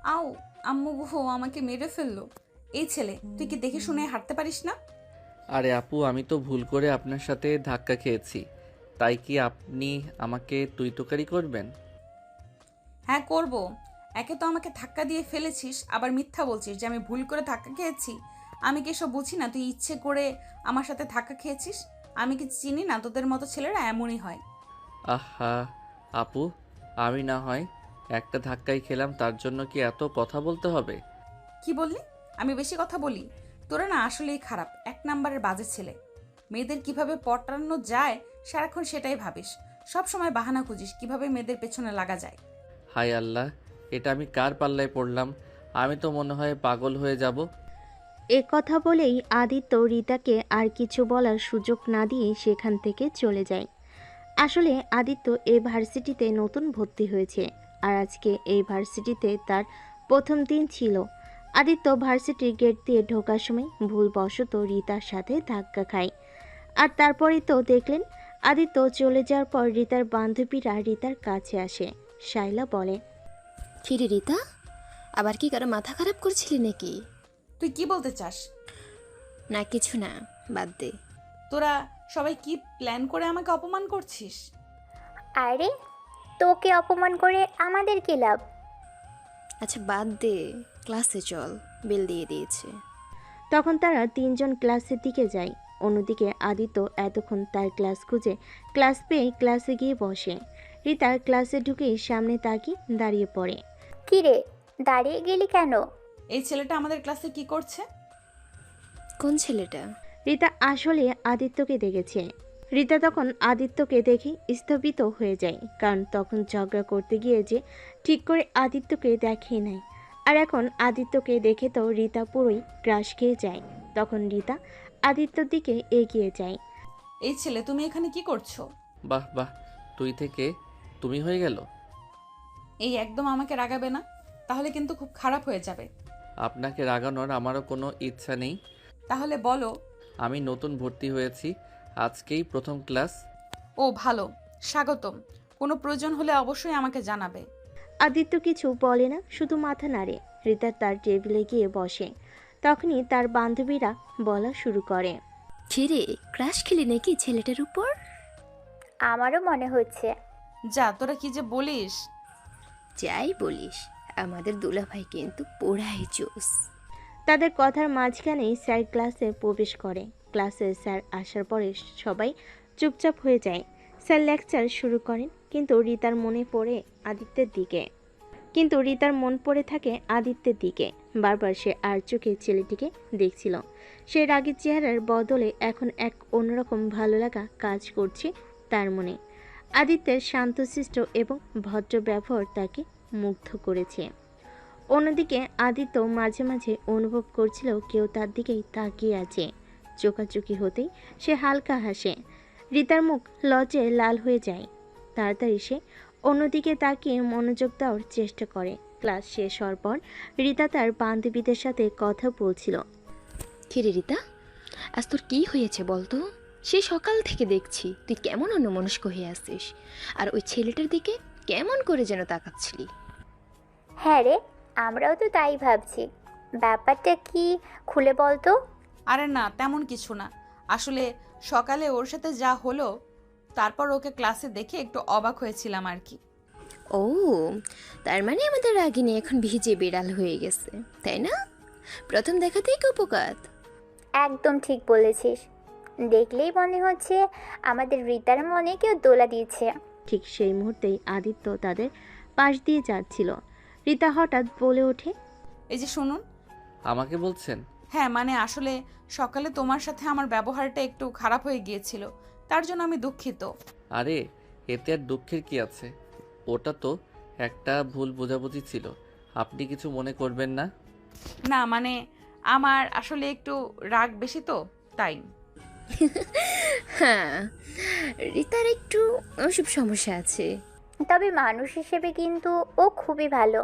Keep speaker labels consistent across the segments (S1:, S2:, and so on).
S1: আও, আম্মু গো আমাকে মেরে ফেললো। এই ছেলে, তুই কি দেখে শুনে হাঁটতে পারিস না?
S2: আরে আপু, আমি তো ভুল করে আপনার সাথে ধাক্কা খেয়েছি, তাই কি আপনি আমাকে তুই তোকারি করবেন?
S1: হ্যাঁ করব। একে তো আমাকে ধাক্কা দিয়ে ফেলেছিস, আবার মিথ্যা বলছিস যে আমি ভুল করে ধাক্কা খেয়েছি। আমি কি এসব বুঝি না তুই ইচ্ছে করে আমার সাথে ধাক্কা খেয়েছিস? আমি কি চিনি না তোদের মতো ছেলেরা এমনই হয়?
S2: আহা আপু, আমি না হয় একটা ধাক্কাই খেলাম, তার জন্য কি এত কথা বলতে হবে?
S1: কি বললি? আমি বেশি কথা বলি? তোরা না আসলেই খারাপ, এক নাম্বারের বাজে ছেলে। মেয়েদের কিভাবে পটানো যায় সারাক্ষণ সেটাই ভাবিস। সব সময় বাহানা খুঁজিস কিভাবে মেয়েদের পেছনে লাগা যায়।
S2: হায় আল্লাহ, এটা আমি কার পাল্লায় পড়লাম? আমি তো মনে হয় পাগল হয়ে যাব।
S3: এ কথা বলেই আদিত্য রিতাকে আর কিছু বলার সুযোগ না দিয়ে সেখান থেকে চলে যায়। আসলে আদিত্য এই ভার্সিটিতে নতুন ভর্তি হয়েছে, আর আজকে এই ভার্সিটিতে তার প্রথম দিন ছিল। আদিত্য ভার্সিটির গেট দিয়ে ঢোকার সময় ভুলবশত রিতার সাথে ধাক্কা খায়। আর তারপরেই তো দেখলেন, আদিত্য চলে যাওয়ার পর রিতার বান্ধবীরা রিতার কাছে আসে। শাইলা বলে,
S4: কিরে রিতা, আবার কি কারো মাথা খারাপ করছিলি নাকি?
S1: তুই কি বলতে চাস?
S4: না কিছু না, বাদ দে।
S1: তোরা সবাই কি প্ল্যান করে আমাকে অপমান করছিস?
S5: আরে, তোকে অপমান করে আমাদের কি লাভ?
S4: আচ্ছা বাদ দে, ক্লাসে চল, বেল দিয়ে দিয়েছে।
S3: তখন তারা তিনজন ক্লাসের দিকে যায়। অন্যদিকে আদিত্য এতক্ষণ তার ক্লাস খুঁজে ক্লাস পেয়ে ক্লাসে গিয়ে বসে। রিতা ক্লাসে ঢুকেই সামনে তাকিয়ে দাঁড়িয়ে পড়ে।
S5: কি রে, দাঁড়িয়ে গেলি কেন?
S1: এই ছেলেটা আমাদের ক্লাসে কি করছে?
S4: কোন ছেলেটা?
S3: রিতা আসলে আদিত্যকে দেখেছে। রিতা তখন আদিত্যকে দেখে স্থবিত হয়ে যায়, কারণ তখন ঝগড়া করতে গিয়ে যে ঠিক করে আদিত্যকে দেখে নাই। আর এখন আদিত্যকে দেখে তো রিতা পুরোই গ্রাস খেয়ে যায়। তখন রিতা আদিত্যর দিকে এগিয়ে যায়।
S1: এই ছেলে, তুমি এখানে কি করছো?
S2: বাহ বাহ, তুই থেকে তুমি হয়ে গেল।
S1: এই একদম আমাকে রাগাবে না, তাহলে কিন্তু খুব খারাপ হয়ে যাবে।
S2: আপনাকে রাগানোর আমারও কোনো ইচ্ছা নেই।
S1: তাহলে বলো।
S2: আমি নতুন ভর্তি হয়েছি, আজকেই প্রথম ক্লাস।
S1: ও ভালো, স্বাগতম। কোনো প্রয়োজন হলে অবশ্যই আমাকে জানাবে।
S3: আদিত্য কিছু বলে না, শুধু মাথা নাড়ে। রিতা তার টেবিলে গিয়ে বসে। তখনই তার বান্ধবীরা বলা শুরু করে,
S4: কিরে, ক্রাশ খেলি নাকি ছেলেটার উপর?
S5: আমারও মনে হচ্ছে।
S1: যা, তোরা কি যে বলিস।
S4: যাই বলিস, আমাদের দুলাভাই কিন্তু পোড়াই জোস।
S3: তাদের কথার মাঝখানেই স্যার ক্লাসে প্রবেশ করে। ক্লাসে স্যার আসার পরে সবাই চুপচাপ হয়ে যায়। স্যার লেকচার শুরু করেন, কিন্তু রিতার মন পড়ে থাকে আদিত্যের দিকে। বারবার সে আর চোখে ছেলেটিকে দেখছিল। সে রাগের চেহারার বদলে এখন এক অন্যরকম ভালো লাগা কাজ করছে তার মনে। আদিত্যের শান্তশিষ্ট এবং ভদ্র ব্যবহার তাকে মুগ্ধ করেছে। অন্যদিকে আদিত্য মাঝে মাঝে অনুভব করছিল কেউ তার দিকেই তাকিয়ে আছে। চোখাচোখি হতেই সে হালকা হাসে। রিতার মুখ লজ্জায় লাল হয়ে যায়। তাড়াতাড়ি সে অন্যদিকে তাকিয়ে মনোযোগ দেওয়ার চেষ্টা করে। ক্লাস শেষ হওয়ার পর রিতা তার বান্ধবীদের সাথে কথা বলছিল।
S4: কিরে রিতা, আজ তোর কি হয়েছে বলতো? সে সকাল থেকে দেখছি তুই কেমন অন্যমনস্ক হয়ে আসছিস, আর ওই ছেলেটার দিকে কেমন করে যেন তাকাচ্ছিলি।
S5: হ্যাঁ রে, আমরাও তো তাই ভাবছি। ব্যাপারটা কি, খুলে বলতো।
S1: আরে না, তেমন কিছু না। আসলে সকালে ওর সাথে যা হলো, তারপর ওকে ক্লাসে দেখে একটু অবাক হয়েছিলাম আর কি।
S4: ও, তার মানে আমাদের রাগিনী এখন ভিজে বিড়াল হয়ে গেছে, তাই না? প্রথম দেখাতেই কুপকাত।
S5: একদম ঠিক বলেছিস। দেখলেই মনে হচ্ছে আমাদের রিতার মনে কেউ দোলা দিয়েছে।
S3: ঠিক সেই মুহূর্তেই আদিত্য তাদের পাশ দিয়ে যাচ্ছিল। রিতা হঠাৎ বলে ওঠে,
S1: এই যে শুনুন।
S2: আমাকে বলছেন?
S1: হ্যাঁ মানে আসলে সকালে তোমার সাথে আমার ব্যবহারটা একটু খারাপ হয়ে গিয়েছিল, তার জন্য আমি দুঃখিত।
S2: আরে, এতে আর দুঃখের কি আছে? ওটা তো একটা ভুল বোঝাবুঝি ছিল, আপনি কিছু মনে করবেন না।
S1: না মানে আমার আসলে একটু রাগ বেশি তো, তাই।
S4: হ্যাঁ, রিতার একটু ওসব সমস্যা আছে।
S5: তবে মানুষ হিসেবে কিন্তু ও খুবই ভালো।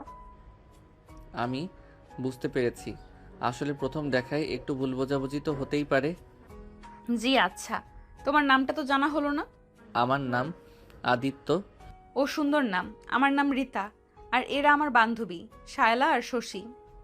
S2: আমি বুঝতে পেরেছি, আসলে প্রথম দেখায় একটু ভুল বোঝাবুঝি তো হতেই পারে।
S1: জি আচ্ছা, তোমার নামটা তো জানা হলো না।
S2: আমার নাম আদিত্য।
S1: ও সুন্দর নাম। আমার নাম রিতা। আর এরা আমার বান্ধবী শায়লা আর শশী।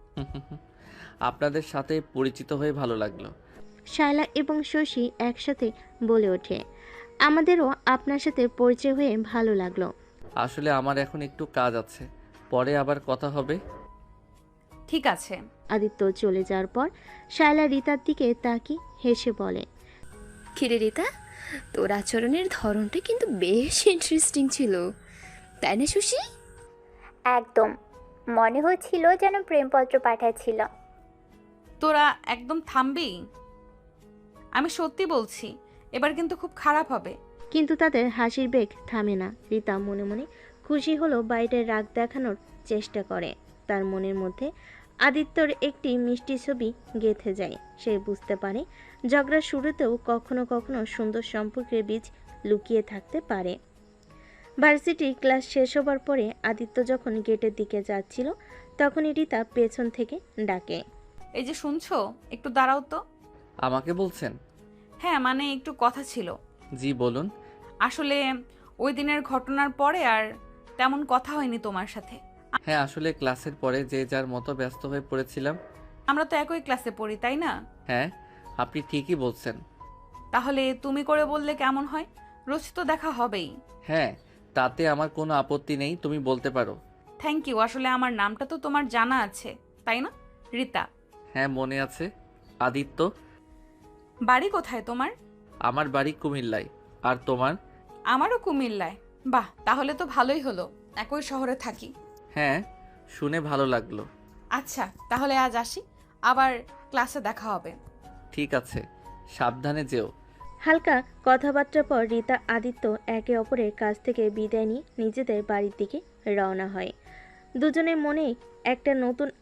S2: আপনাদের সাথে পরিচিত হয়ে ভালো লাগলো।
S3: শায়লা এবং শশী একসাথে বলে ওঠে, আমাদেরও আপনার সাথে পরিচয় হয়ে ভালো লাগলো।
S2: আসলে আমার এখন একটু কাজ আছে, পরে আবার কথা হবে।
S1: ঠিক আছে।
S3: আদিত্য চলে যাওয়ার পর শায়লা রিতার দিকে তাকিয়ে হেসে বলে,
S4: কিরে রিতা, তোর আচরণের ধরনটা কিন্তু বেশ ইন্টারেস্টিং ছিল, তাই না সুশি?
S5: একদম, মনে হচ্ছিল যেন প্রেমপত্র পাঠাচ্ছিল।
S1: তোরা একদম থামবি? আমি সত্যি বলছি, এবার কিন্তু খুব খারাপ হবে।
S3: কিন্তু তাদের হাসির বেগ থামে না। রিতা মনে মনে খুশি হলো বাইরে রাগ দেখানোর চেষ্টা করে। তার মনের মধ্যে আদিত্যর একটি মিষ্টি ছবি গেঁথে যায়। সে বুঝতে পারে ঝগড়ার শুরুতেও কখনো কখনো সুন্দর সম্পর্কের বীজ লুকিয়ে থাকতে পারে। ভার্সিটি ক্লাস শেষ হবার পরে আদিত্য যখন গেটের দিকে যাচ্ছিল তখনই রিতা পেছন থেকে ডাকে,
S1: এই যে শুনছো, একটু দাঁড়াও তো।
S2: আমাকে বলছেন?
S1: হ্যাঁ মানে একটু কথা ছিল।
S2: জি বলুন।
S1: আসলে ওই দিনের ঘটনার পরে আর তেমন কথা হয়নি তোমার সাথে।
S2: হ্যাঁ, আসলে ক্লাসের পরে যে যার মতো ব্যস্ত হয়ে পড়েছিলাম।
S1: আমরা তো একই ক্লাসে পড়ি, তাই না?
S2: হ্যাঁ, আপনি ঠিকই বলছেন।
S1: তাহলে তুমি করে বললে কেমন হয়? রোজ তো দেখা হবেই।
S2: হ্যাঁ, তাতে আমার কোনো আপত্তি নেই, তুমি বলতে পারো।
S1: Thank you. আসলে আমার নামটা তো তোমার জানা আছে, তাই না? রিতা।
S2: হ্যাঁ, মনে আছে। আদিত্য।
S1: বাড়ি কোথায় তোমার?
S2: আমার বাড়ি কুমিল্লায়। আর তোমার?
S1: আমারও কুমিল্লায়। বাহ, তাহলে তো ভালোই হলো, একই শহরে থাকি।
S2: হ্যাঁ, শুনে ভালো লাগলো।
S1: আচ্ছা তাহলে আজ আসি, আবার ক্লাসে দেখা হবে।
S2: ঠিক আছে, সাবধানে যেও।
S3: হালকা কথাবার্তার পর রিতা আদিত্য একে অপরের কাছ থেকে বিদায় নিয়ে নিজেদের বাড়ির দিকে রওনা হয়। দুজনের মনেই একটা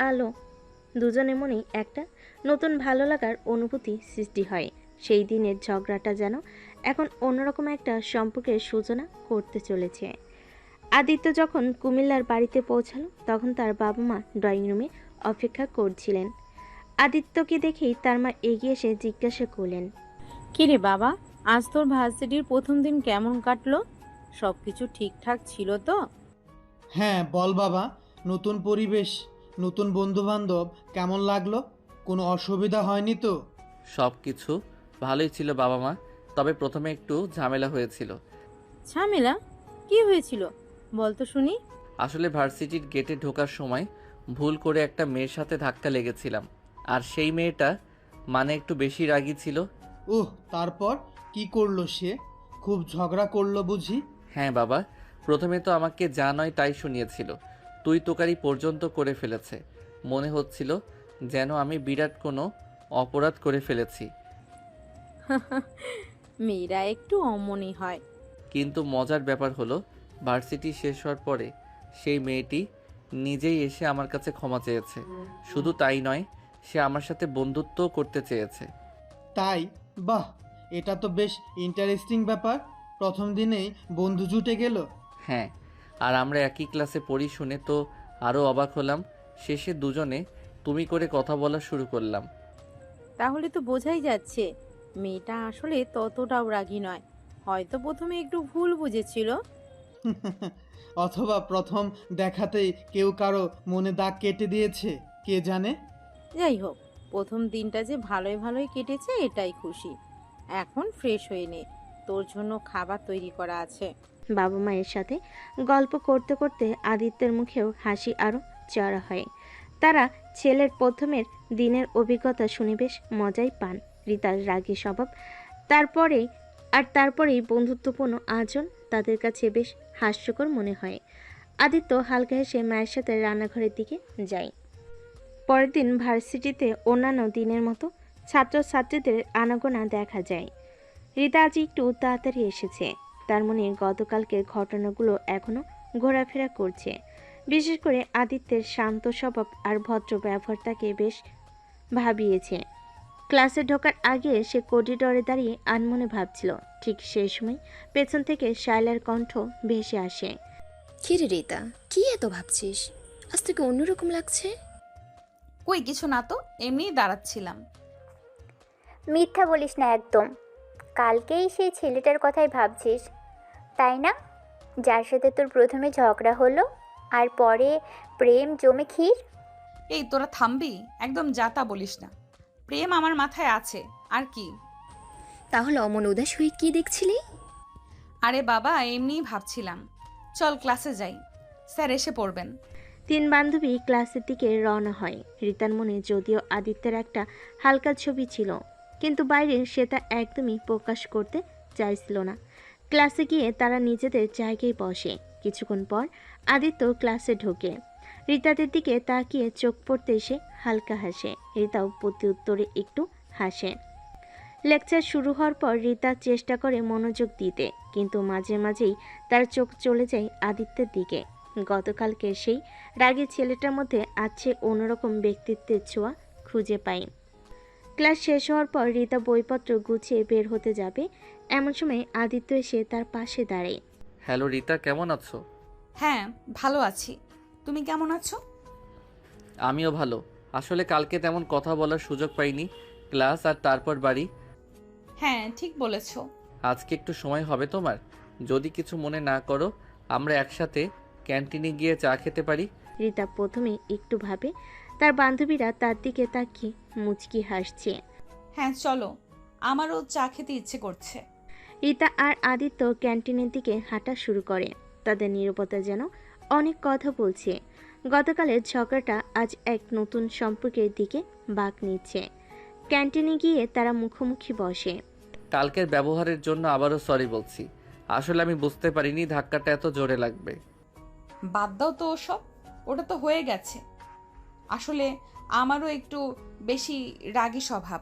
S3: নতুন ভালো লাগার অনুভূতি সৃষ্টি হয়। সেই দিনের ঝগড়াটা যেন এখন অন্যরকম একটা সম্পর্কের সূচনা করতে চলেছে। আদিত্য যখন কুমিল্লার বাড়িতে পৌঁছালো তখন তার বাবা মা ড্রয়িং রুমে অপেক্ষা করছিলেন। আদিত্যকে দেখেই তার মা এগিয়ে এসে জিজ্ঞাসা করলেন,
S6: কিরে বাবা, আজ তোর ভার্সিটির প্রথম দিন কেমন কাটলো? সবকিছু ঠিকঠাক ছিল তো?
S7: হ্যাঁ বল বাবা, নতুন পরিবেশ, নতুন বন্ধুবান্ধব, কেমন লাগলো? কোনো অসুবিধা হয়নি তো?
S2: সব কিছু ভালোই ছিল বাবা মা, তবে প্রথমে একটু ঝামেলা হয়েছিল।
S6: ঝামেলা? কি হয়েছিল বল তো শুনি।
S2: আসলে ভার্সিটির গেটে ঢোকার সময় ভুল করে একটা মেয়ের সাথে ধাক্কা লেগেছিলাম, আর সেই মেয়েটা মানে একটু বেশি রাগী ছিল।
S7: তারপর কি করলো সে? খুব ঝগড়া করলো বুঝি?
S2: হ্যাঁ বাবা, প্রথমে তো আমাকে যা নয় তাই শুনিয়েছিল, তুই তোকারি পর্যন্ত করে ফেলেছে। মনে হচ্ছিল যেন আমি বিরাট কোনো অপরাধ করে ফেলেছি।
S6: মেয়েরা একটু অমনই হয়।
S2: কিন্তু মজার ব্যাপার হলো, ভার্সিটি শেষ হওয়ার পরে সেই মেয়েটি নিজেই এসে আমার কাছে ক্ষমা চেয়েছে। শুধু তাই নয়, সে আমার সাথে বন্ধুত্বও করতে চেয়েছে।
S7: তাই? বাহ, এটা তো বেশ ইন্টারেস্টিং ব্যাপার। প্রথম দিনেই বন্ধু জুটে গেল।
S2: হ্যাঁ, আর আমরা একই ক্লাসে পড়ি শুনে তো আরও অবাক হলাম। শেষে দুজনে তুমি করে কথা বলা শুরু করলাম।
S6: তাহলে তো বোঝাই যাচ্ছে মেয়েটা আসলে ততটাও রাগী নয়, হয়তো প্রথমে একটু ভুল বুঝেছিল।
S7: অথবা প্রথম দেখাতেই কেউ কারো মনে দাগ কেটে দিয়েছে, কে জানে।
S6: যাই হোক, প্রথম দিনটা যে ভালোই ভালোই কেটেছে এটাই খুশি। এখন ফ্রেশ হয়ে নে, তোর জন্য খাবার তৈরি করা আছে।
S3: বাবা মায়ের সাথে গল্প করতে করতে আদিত্যের মুখেও হাসি আরও চড়া হয়। তারা ছেলের প্রথমের দিনের অভিজ্ঞতা শুনে বেশ মজাই পান। রিতার রাগী স্বভাব তারপরেই বন্ধুত্বপূর্ণ আচরণ তাদের কাছে বেশ হাস্যকর মনে হয়। আদিত্য হালকা হেসে মায়ের সাথে রান্নাঘরের দিকে যায়। পরের দিন ভার্সিটিতে অন্যান্য দিনের মতো ছাত্রছাত্রীদের আনাগোনা দেখা যায়। রিতা আজ একটু তাড়াতাড়ি এসেছে। তার মনে গতকালকের ঘটনাগুলো এখনও ঘোরাফেরা করছে। বিশেষ করে আদিত্যের শান্ত স্বভাব আর ভদ্র ব্যবহার তাকে বেশ ভাবিয়েছে। ক্লাসে ঢোকার আগে সে করিডরে দাঁড়িয়ে আনমনে ভাবছিল। ঠিক সেই সময় পেছন থেকে শায়লার কণ্ঠ ভেসে আসে,
S4: কিরে রিতা, কি এত ভাবছিস? আজ তোকে অন্যরকম লাগছে।
S1: কই কিছু না তো, এমনিই দাঁড়াচ্ছিলাম।
S5: মিথ্যা বলিস না একদম। কালকেই সেই ছেলেটার কথাই ভাবছিস, তাই না? যার সাথে তোর প্রথমে ঝগড়া হলো। আর পরে প্রেম জমে ক্ষীর।
S1: এই তোরা থামবি? একদম যাতা বলিস না। প্রেম আমার মাথায় আছে, আর কি?
S4: তাহলে অমন উদাস হয়ে কি দেখছিলি?
S1: আরে বাবা, এমনিই ভাবছিলাম। চল ক্লাসে যাই, স্যার এসে পড়বেন।
S3: 3 বান্ধবী ক্লাসের দিকে রওনা হয়। রিতার মনে যদিও আদিত্যের একটা হালকা ছবি ছিল, কিন্তু বাইরে সে তা একদমই প্রকাশ করতে চাইছিল না। ক্লাসে গিয়ে তারা নিজেদের জায়গায় বসে। কিছুক্ষণ পর আদিত্য ক্লাসে ঢোকে। রিতাদের দিকে তাকিয়ে চোখ পড়তে এসে হালকা হাসে। রিতাও প্রতি উত্তরে একটু হাসে। লেকচার শুরু হওয়ার পর রিতা চেষ্টা করে মনোযোগ দিতে, কিন্তু মাঝে মাঝেই তার চোখ চলে যায় আদিত্যের দিকে। গতকালকে সেই রাগী ছেলেটার মধ্যে আছে অন্যরকম ব্যক্তিত্বের ছোঁয়া খুঁজে পাই। ক্লাস শেষ হওয়ার পর রিতা বইপত্র গুছিয়ে বের হতে যাবে, এমন সময় আদিত্য এসে তার পাশে দাঁড়ায়।
S2: হ্যালো রিতা, কেমন আছো?
S1: হ্যাঁ, ভালো আছি। তুমি কেমন আছো?
S2: আমিও ভালো। আসলে কালকে তেমন কথা বলার সুযোগ পাইনি, ক্লাস আর তারপর বাড়ি।
S1: হ্যাঁ, ঠিক বলেছো।
S2: আজকে একটু সময় হবে তোমার? যদি কিছু মনে না করো, আমরা একসাথে ক্যান্টিনে গিয়ে চা খেতে পারি।
S3: রিতা প্রথমে একটু ভাবে, তার বান্ধবীরা তার দিকে তাকিয়ে মুচকি হাসছে।
S1: হ্যাঁ চলো, আমারও চা খেতে ইচ্ছে করছে।
S3: রিতা আর আদিত্য ক্যান্টিনের দিকে হাঁটা শুরু করে। তাদের নীরবতা যেন অনেক কথা বলছে। গতকালের ঝগড়াটা আজ এক নতুন সম্পর্কের দিকে বাঁক নিচ্ছে। ক্যান্টিনে গিয়ে তারা মুখোমুখি বসে।
S2: কালকের ব্যবহারের জন্য আবারও সরি বলছি। আসলে আমি বুঝতে পারিনি ধাক্কাটা এত জোরে লাগবে।
S1: বাদ দাও তো ওসব, ওটা তো হয়ে গেছে। আসলে আমারও একটু বেশি রাগী স্বভাব।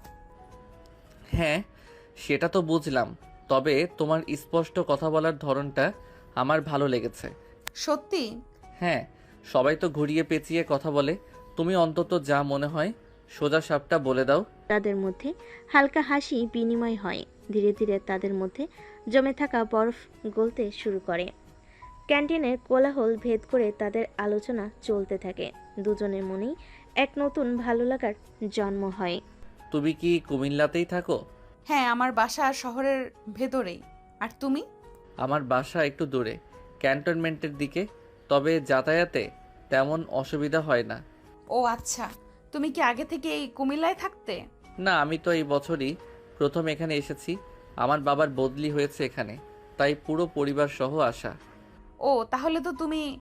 S2: হ্যাঁ, সেটা তো বুঝলাম, তবে তোমার স্পষ্ট কথা বলার ধরনটা আমার ভালো লেগেছে।
S1: সত্যি?
S2: হ্যাঁ, সবাই তো ঘুরিয়ে পেঁচিয়ে কথা বলে, তুমি অন্তত যা মনে হয় সোজা সাপটা বলে দাও।
S3: তাদের মধ্যে হালকা হাসি বিনিময় হয়। ধীরে ধীরে তাদের মধ্যে জমে থাকা বরফ গলতে শুরু করে। ক্যান্টিনের কোলাহল ভেদ করে তাদের আলোচনা চলতে থাকে। দুজনের মনেই এক নতুন ভালো লাগার জন্ম হয়।
S2: তুমি কি কুমিল্লাতেই থাকো?
S1: হ্যাঁ, আমার বাসা শহরের ভেতরেই। আর তুমি?
S2: আমার বাসা একটু দূরে, ক্যান্টনমেন্টের দিকে, তবে যাতায়াতে তেমন অসুবিধা হয় না।
S1: ও আচ্ছা, তুমি কি আগে থেকে এই কুমিল্লায় থাকতে?
S2: না, আমি তো এই বছরই প্রথম এখানে এসেছি। আমার বাবার বদলি হয়েছে এখানে, তাই পুরো পরিবার সহ আসা।
S1: ও তাহলে তো তুমি